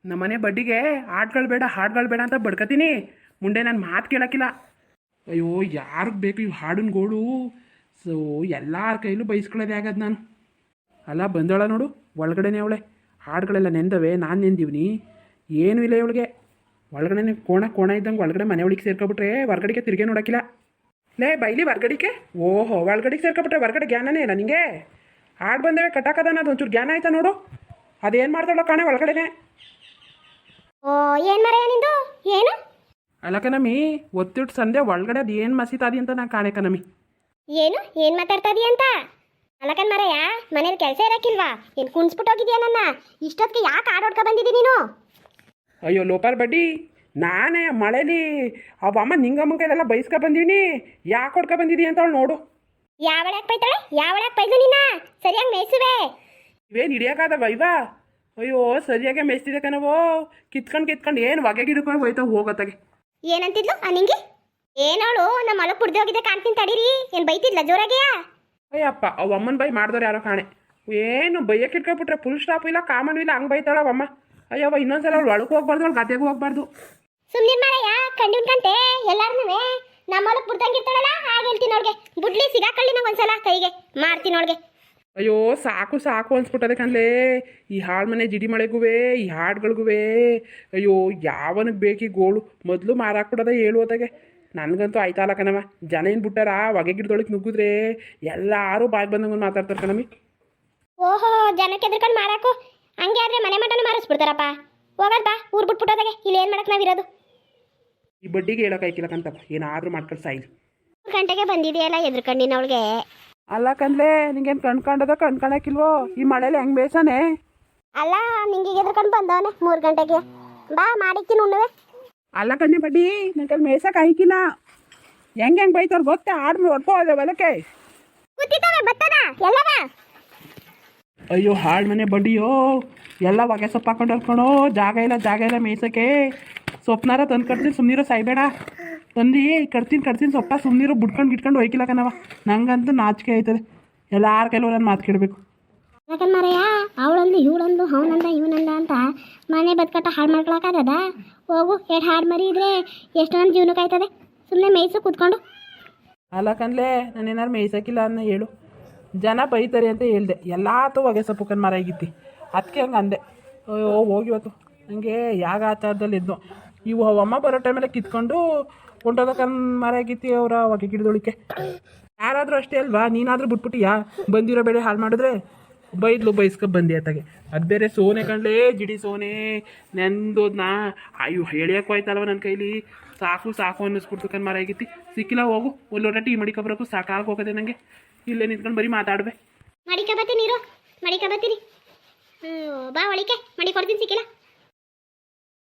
ನಮ್ಮನೆ ಬಡ್ಡಿಗೆ ಹಾಡುಗಳು ಬೇಡ ಅಂತ ಬಡ್ಕತೀನಿ. ಮುಂದೆ ನಾನು ಮಾತು ಕೇಳೋಕ್ಕಿಲ್ಲ. ಅಯ್ಯೋ ಯಾರಿಗೆ ಬೇಕು ಇವು ಹಾಡಿನ ಗೋಳು. ಸೊ ಎಲ್ಲರ ಕೈಲೂ ಬೈಸ್ಕೊಳ್ಳೋದೇ ಆಗದು ನಾನು. ಅಲ್ಲ ಬಂದೋಳ ನೋಡು, ಒಳಗಡೆನೇ ಅವಳೆ. ಹಾಡುಗಳೆಲ್ಲ ನೆಂದವೆ, ನಾನು ನೆಂದಿವ್ನಿ. ಏನೂ ಇಲ್ಲ ಇವಳಿಗೆ. ಒಳಗಡೆ ಕೋಣ ಇದ್ದಂಗೆ ಒಳಗಡೆ ಮನೆ ಒಳಗೆ ಸೇರ್ಕೊಬಿಟ್ರೆ ಹೊರ್ಗಡೆಗೆ ತಿರುಗಿ ನೋಡೋಕ್ಕಿಲ್ಲ. ಲೇ ಬೈಲಿ ಹೊರ್ಗಡಿಕೆ. ಓಹೋ ಒಳಗಡೆಗೆ ಸೇರ್ಕೊಬಿಟ್ರೆ ಹೊರ್ಗಡೆ ಜ್ಞಾನನೇ ಇಲ್ಲ ನಿಂಗೆ. ಹಾಡು ಬಂದವೆ ಕಟ್ಟಾಕದಾನ, ಅದು ಒಂಚೂರು ಜ್ಞಾನ ಆಯ್ತಾ ನೋಡು. ಅದೇನು ಮಾಡ್ತಾಳೋ ಕಾಣೆ ಒಳಗಡೆನೆ. ಓ ಏನು ಮರ ನಿಂದು ಏನು? ಅಲ್ಲ ಕಣಮಿ, ಒತ್ತಿಟ್ಟು ಸಂದೆ ಒಳಗಡೆ ಅದು ಏನು ಮಸೀತಾದಿ ಅಂತ ನಾ ಕಾಣೆ ಕಣಮಿ. ಏನು ಮಾತಾಡ್ತಾ ಇದೀಯ ಅಂತ? ಅಲ್ಲಕನ್ ಮರಯ್ಯ, ಮನೇಲಿ ಕೆಲಸ ಇರಕ್ಕಿಲ್ವಾ? ಏನು ಕುಣಿಸ್ಬಿಟ್ಟು ಹೋಗಿದ್ಯಾ ನನ್ನ? ಇಷ್ಟೊತ್ತಿಗೆ ಯಾಕೆ ಆಡೋಡ್ಕ ಬಂದಿದ್ದಿ ನೀನು? ಅಯ್ಯೋ ಲೋಪಾಲ್ ಬಡ್ಡಿ, ನಾನೇ ಮಳೇಲಿ ಅವಮ್ಮ ನಿಂಗಮ್ಮನ ಕೈಲೆಲ್ಲ ಬೈಸ್ಕೊ ಬಂದೀನಿ. ಯಾಕೆ ಹೊಡ್ಕೊ ಬಂದಿದ್ದೀ ಅಂತ ಅವಳು ನೋಡು. ಯಾವಳಕ್ಕೆ ಬೈತಾಳೆ? ಯಾವಳಕ್ಕೆ ಬೈದು ನಿನ್ನ? ಸರಿಯಾಗಿ ಮೇಯಿಸುವೆ. ಇವೇನು ಹಿಡಿಯೋಕ್ಕಾದವ ಇವಾ? ಅಯ್ಯೋ ಸರಿಯಾಗೆ ಮೇಯಿಸ್ತಿದೆ ಕಣವೋ. ಕಿತ್ಕೊಂಡು ಏನು ಹೊಗೆ ಗಿಡಕ್ಕೆ ಹೋಯ್ತಾವ ಹೋಗೋತ್ತಾಗೆ. ಏನಂತಿದ್ಲು ಆ ನಿಂಗೆ? ಏನವಳು ನಮ್ಮ ಹೊಲಕ್ಕೆ ಪುಡ್ದು ಹೋಗಿದ್ದೆ ಕಾಣ್ತೀನಿ ತಡೀರಿ. ಏನು ಬೈತಿದ್ಲ ಜೋರಾಗೆಯಾ? ಅಯ್ಯಪ್ಪ ಅವು ಅಮ್ಮನ ಬೈ ಮಾಡಿದವ್ರು ಯಾರೋ ಕಾಣೆ. ಏನು ಬೈಯಕ್ಕೆ ಇಟ್ಕೊಬಿಟ್ರೆ ಫುಲ್ ಸ್ಟಾಪ್ ಇಲ್ಲ, ಕಾಮನ್ ಇಲ್ಲ, ಹಂಗೆ ಬೈತಾಳ ಅವಮ್ಮ. ಅಯ್ಯವ್ವ ಇನ್ನೊಂದ್ಸಲ ಅವಳು ಒಳಗೆ ಹೋಗ್ಬಾರ್ದು, ಅವಳು ಗದ್ದೆಗೆ ಹೋಗ್ಬಾರ್ದು. ಸುಮ್ಮನೆ ಮಾರಯ್ಯ, ಕಂಡಿನ್ಕಂತೆ ಎಲ್ಲಾರನೂ ನಮ್ಮ ಹೊಲಕ್ಕೆ ಪುಡ್ದಂಗಿರ್ತಾಳಲ್ಲ ಹಾಗೆ ಹೇಳ್ತೀನಿ ಅವಳಿಗೆ. ಬುಡ್ಲಿ ಸಿಗಾಕಳ್ಳಿ ನಂಗೆ ಒಂದ್ಸಲ ಕೈಗೆ ಮಾಡ್ತೀನಿ ಅವಳಿಗೆ. ಅಯ್ಯೋ ಸಾಕು ಅನ್ಸ್ಬಿಟ್ಟದೆ ಕಣ್ಲೇ. ಈ ಹಾಳು ಮನೆ ಜಿಡಿ ಮಳೆಗುವೆ, ಈ ಹಾಡುಗಳಿಗುವೆ. ಅಯ್ಯೋ ಯಾವನಿಗೆ ಬೇಕಿ ಗೋಳು ಮೊದಲು ಮಾರಾಕ್ಬಿಡೋದ ಹೇಳುವುದಾಗೆ. ನನಗಂತೂ ಆಯ್ತಲ್ಲ ಕಣವ. ಜನ ಏನು ಬಿಟ್ಟಾರ ಹೊಗೆ ಗಿಡದೊಳಗೆ ನುಗ್ಗಿದ್ರೆ ಎಲ್ಲರೂ ಬಾಯಿ ಬಂದಂಗೆ ಮಾತಾಡ್ತಾರೆ ಕಣಮಿ. ಓಹೋ ಜನಕ್ಕೆ ಎದ್ರಕೊಂಡು ಮಾರಾಕು. ಹಂಗೆ ಆದ್ರೆ ಮನೆ ಮಟನು ಮಾರಿಸ್ಬಿಡ್ತಾರಪ್ಪ. ಹೋಗದ್ ಬಾ ಊರು ಬಿಟ್ಬಿಟ್ಟೋದಾಗೆ. ಇಲ್ಲಿ ಏನು ಮಾಡಕ್ಕೆ ನಾವಿರೋದು? ಈ ಬಡ್ಡಿಗೆ ಹೇಳೋಕ್ಕಾಯ್ಕಿಲ್ಲಕ್ಕಂತಪ್ಪ, ಏನಾದರೂ ಮಾಡ್ಕೊಂಡು ಸಾಯಿಲ್. 3 ಗಂಟೆಗೆ ಬಂದಿದೆಯಲ್ಲ ಎದ್ರಕೊಂಡಿನ ಅವಳಿಗೆ. ಅಲ್ಲ ಕಣ್ಲೇ, ನಿಂಗೇನು ಕಣ್ಕಾಣಕ್ಕಿಲ್ವೋ? ಈ ಮಳೇಲಿ ಹೆಂಗೆ ಬೇಸಾನೆ? ಅಲ್ಲ ನಿಂಗೆ ಎದ್ರಕೊಂಡು ಬಂದವನೆ 3 ಗಂಟೆಗೆ. ಬಾ ಮಾಡಿಕ್ತೀನಿ ಉಣ್ಣುವೆ. ಅಲ್ಲ ಕಣ್ಣೆ ಬಡ್ಡಿ, ನನ್ನ ಕೈಲಿ ಮೇಯ್ಸಕ್ಕೆ ಆಯ್ಕಿಲ್ಲ. ಹೆಂಗೆ ಬೈತಾರೆ ಗೊತ್ತಾ? ಆಡ್ಮೆ ಹೊಡ್ಕೋದೆ ಹೊಲಕ್ಕೆ. ಕೂತಿದ್ದಾವೆ ಬತ್ತದ ಎಲ್ಲವ. ಅಯ್ಯೋ ಹಾಳು ಮನೆ ಬಡ್ಡಿಯೋ, ಎಲ್ಲ ಹೊಗೆ ಸೊಪ್ಪು ಹಾಕೊಂಡು ಹೊಲ್ಕೊಳೋ. ಜಾಗ ಇಲ್ಲ ಮೇಯ್ಸೋಕ್ಕೆ. ಸೊಪ್ಪನಾರ ತಂದು ಕಟ್ತೀನಿ, ಸುಮ್ಮನಿರೋ ಸಾಯ್ಬೇಡ. ತಂದು ಕಟ್ತೀನಿ ಸೊಪ್ಪ, ಸುಮ್ಮನಿರೋ ಗಿಟ್ಕೊಂಡು ಹೋಯ್ಕಿಲ್ಲ ಕಣವ. ನಂಗಂತೂ ನಾಚಿಕೆ ಆಯ್ತದೆ. ಎಲ್ಲಾರ ಕೈಲೂ ನಾನು ಮಾತು ಕೇಳಬೇಕು. ಯಾಕಂದ್ ಮಾರಯ್ಯ, ಅವಳಂದು ಇವಳಂದು ಅವನಂದ ಇವನಂದ ಅಂತ ಮನೆ ಬದುಕಟ್ಟ ಹಾಳು ಮಾಡ್ಕೊಳಕ್ಕಾಗದ? ಹೋಗು, 2 ಹಾಡು ಮರಿ ಇದ್ರೆ ಎಷ್ಟು ನನ್ನ ಜೀವನಕ್ಕೆ ಆಯ್ತದೆ. ಸುಮ್ಮನೆ ಮೇಯ್ಸು ಕೂತ್ಕೊಂಡು. ಅಲ್ಲ ಕಣ್ಲೇ, ನಾನೇನಾರು ಮೇಯ್ಸೋಕ್ಕಿಲ್ಲ ಅನ್ನೋ ಹೇಳು. ಜನ ಬೈತಾರೆ ಅಂತ ಹೇಳ್ದೆ. ಎಲ್ಲಾತು ಹೊಗೆ ಸೊಪ್ಪು ಕಣ್ ಮರ ಆಗಿತ್ತಿ, ಅದಕ್ಕೆ ಹಂಗೆ ಅಂದೆ. ಅಯ್ಯೋ ಹೋಗಿವತ್ತು ನನಗೆ ಯಾಗ ಆಚಾರದಲ್ಲಿ ಇದ್ನು. ಇವು ಅಮ್ಮ ಬರೋ ಟೈಮೆಲ್ಲ ಕಿತ್ಕೊಂಡು ಹೊಂಟೋದ ಕಣ್ ಮರ ಆಗಿತ್ತಿ ಅವರ ಹೊಗೆ ಗಿಡದೊಳಿಕೆ. ಯಾರಾದರೂ ಅಷ್ಟೇ ಅಲ್ವಾ? ನೀನಾದರೂ ಬಿಟ್ಬಿಟ್ಟಿಯಾ? ಬಂದಿರೋ ಬೆಳೆ ಹಾಳು ಮಾಡಿದ್ರೆ ಬೈಸ್ಕೊಂಡು ಬಂದಿ ಆತಾಗೆ. ಅದು ಬೇರೆ ಸೋನೆ ಕಣ್ಲೇ, ಜಿಡಿ ಸೋನೆ ನೆಂದೋದ್ನ. ಅಯ್ಯೋ ಹೇಳಿಯಕ್ಕೆ ಹೋಯ್ತಲ್ವ ನನ್ನ ಕೈಲಿ. ಸಾಕು ಅನ್ನಿಸ್ಬಿಡ್ತು ಕಣ್ ಮರ ಆಗಿತ್ತಿ. ಸಿಕ್ಕಿಲ್ಲ, ಹೋಗು ಒಂದು ಲೋಟ ಟೀ ಮಡಿಕೊಬರಕು. ಸಾಕಾಗಿ ಹೋಗೋದೆ ನನಗೆ. ಇಲ್ಲೇ ನಿಂತ್ಕೊಂಡು ಬರೀ ಮಾತಾಡ್ಬೆ. ಮಡಿಕ ಬತ್ತೀನಿ ಬಾ ಒಳಿಕೆ ಮಾಡಿ ಕೊಡ್ತೀನಿ. ಸಿಕ್ಕಿಲ್ಲ